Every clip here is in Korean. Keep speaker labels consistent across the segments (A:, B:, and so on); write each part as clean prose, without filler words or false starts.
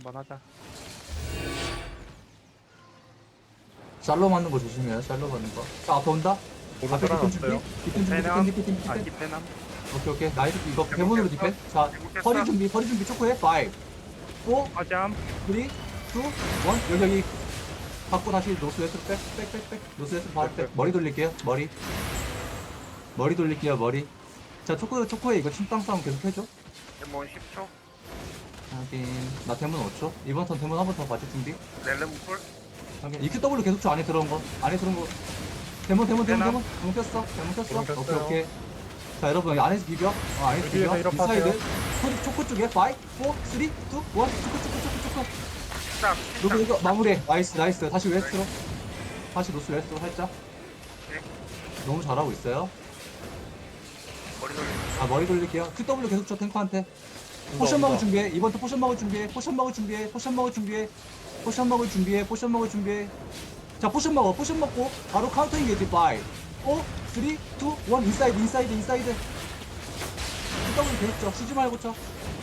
A: 한번 하자.
B: 샬로 맞는 거 조심해요. 샬로 맞는 거. 자, 앞에 온다.
C: 보름
B: 앞에 디펜 준비.
C: 살아났어요.
B: 디펜 준비. 디펜 디펜 디펜.
A: 디펜함.
B: 오케이 오케이. 나이스. 이거 대문으로 디펜. 자, 허리 준비. 허리 준비. 초코해. 5 4
A: 화잠.
B: 3 2 1 여기 받고 다시 노스 웨스트로 백 노스 웨스트로 바로 백 머리 돌릴게요. 머리 돌릴게요. 머리. 자, 초코에 이거 침땅 싸움 계속 해줘.
D: 데몬 10초.
B: 하긴 나 대문 5초. 이번 턴 대문 한 번 더 맞을 준비.
D: 렐름 쿨.
B: 하긴 EQW 계속 쳐. 안에 들어온 거. 대문 꼈어. 대문 꼈어.
C: 꼈어요.
B: 오케이 오케이. 자, 여러분 여기 안에서 비벼. 안에서 비벼.
C: 여기에서
B: 이 사이드.
C: 이렇게
B: 초코 쪽에 5 4 3 2 1 초코.
D: 딱.
B: 너도 이거 마무리해. 나이스. 다시 웨스트로. 다시 노스 웨스트로 살짝.
D: 네.
B: 너무 잘하고 있어요.
D: 머리 돌리.
B: 아, 머리 돌릴게요. QW 계속 쳐, 탱커한테. 포션 먹을 준비해. 이번 또 포션 먹을 준비해. 포션 먹을 준비해. 자, 포션 먹고 바로 카운터잉 게이지 5 4 3 2 1 인사이드. QW 계속 쳐. 쉬지 말고 쳐.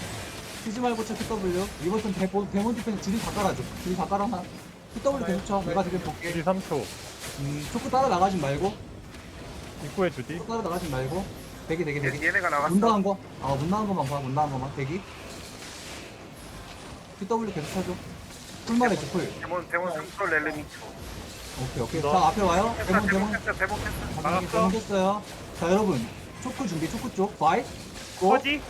B: QW. 이번 턴 데몬 디펜스 줄이 다 깔아줘. QW 계속 쳐. 내가 지금 볼게.
C: 주디 3초.
B: 초코 따라 나가지 말고.
C: 입구에 주디.
B: 대기.
D: 얘네가 나갔어.
B: 문 나간 거. 문 나간 거만. 대기. QW 계속 쳐줘. 풀만 해줘, 풀.
D: 데몬 3초 렐름 2초.
B: 오케이.
C: 너.
B: 자, 앞에 와요.
D: 데몬
B: 대문.
D: 켰어.
B: 당연히 잘못했어요. 자, 여러분. 초코 준비, 초코 쪽. 5, 4, 3, 2, 1.
A: 퍼지.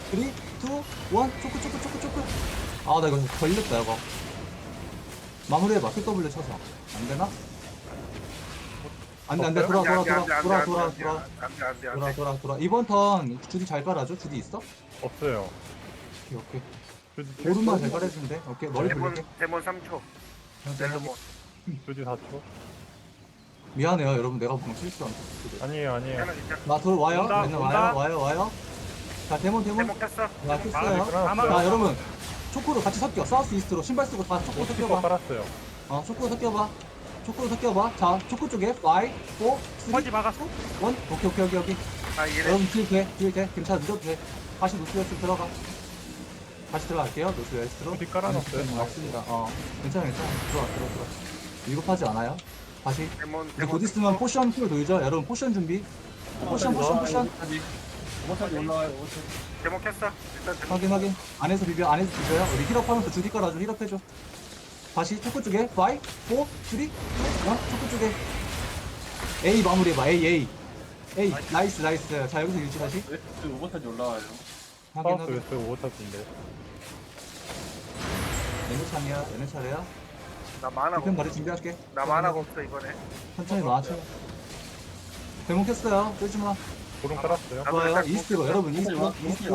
B: 초코. 아, 나 이거 걸렸다, 이거. 마무리해봐. QW 쳐서. 안 되나? 안 돼. 돌아. 이번 턴 주디 잘 깔아줘. 주디 있어?
C: 없어요.
B: 오케이.
C: 주디
B: 오른만 잘 깔아주면 돼. 오케이. 머리 돌릴게.
D: 데몬 3초. 렐름 5.
C: 주디 4초.
B: 미안해요, 여러분. 내가 보면 실수한 거.
C: 아니에요.
D: 하나 진짜.
B: 나 와요.
A: 온다,
B: 맨날
A: 온다.
B: 와요. 자, 데몬.
D: 데몬 켰어.
B: 나 켰어요.
C: 깔았어요.
B: 자, 여러분. 초코로 같이 섞여. 사우스 이스트로 신발 쓰고 다 초코
C: 스피커
B: 섞여봐.
C: 깔았어요.
B: 초코 섞여봐. 자, 초코 쪽에 5, 4, 3,
A: 퍼지 막았어.
B: 1. 오케이.
D: 아 얘네.
B: 여러분 딜 돼. 괜찮아. 늦어도 돼. 다시 노스 웨스트 들어가. 다시 들어갈게요. 노스 웨스트로.
C: 주디 깔아놨어요.
B: 맞습니다. 괜찮아. 들어와. 위급하지 않아요. 다시.
D: 데몬
B: 우리 곧 있으면 포션 풀 돌죠. 여러분 포션 준비. 포션.
E: 오버타지 올라와요.
D: 데몬 켰어. 일단 데몬.
B: 확인. 안에서 비벼요. 우리 힐업하면서 주디 깔아줘. 힐업해줘. 다시 초코 쪽에 5, 4, 3, 2, 1. 초코 쪽에 A 마무리해봐. A. 나이스. 자, 여기서 유지 다시.
E: 웨스트 오버타지 올라와요.
C: 사우스 웨스트 오버타지인데.
B: 얘네 차례야.
D: 나 만화가
B: 디펜
D: 없어.
B: 바로 준비할게.
D: 나 만화가 없어 이번에.
B: 천천히 맞춰. 대목했어요. 끌지 마.
C: 보름 깔았어요.
B: 좋아요. 이스트로 여러분 이스트로.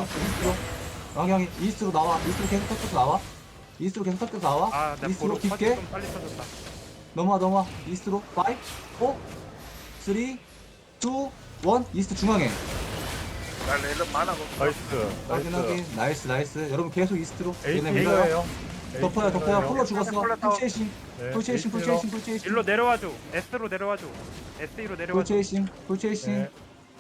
B: 이스트로 나와. 이스트로 계속 섞여서 나와.
A: 아, 나
B: 이스트로
A: 보로 퍼지
B: 깊게
A: 좀 빨리 쳐줬다.
B: 넘어와. 이스트로 5, 4, 3, 2, 1. 이스트 중앙에.
D: 나 렐름 만화가 없어.
C: 나이스.
B: 확인. 나이스. 여러분 계속 이스트로. 얘네 밀어요.
C: A예요.
B: 덮어요. 폴로 죽었어. 풀체이싱.
A: 일로 내려와줘. S로 내려와줘. SE로 내려와줘.
B: 풀체이싱.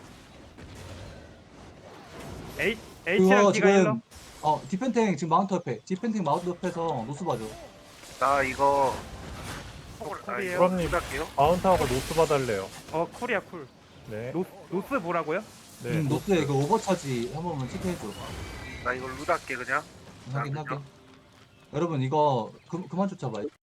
A: H랑
B: 그거
A: D가 일로.
B: 지금 디펜탱 지금 마운트 옆에서 노스 봐줘.
D: 나 이거.
A: 쿨이에요.
C: 그럼요.
D: 부탁해요.
C: 마운트하고 노스 봐달래요.
A: 쿨이야 쿨.
C: 네.
A: 노스 뭐라고요?
C: 네.
B: 노스에 그 오버차지 한 번만 체크해줘.
D: 나 이거 루다 할게 그냥.
B: 확인. 여러분 이거 그만 쫓아봐요.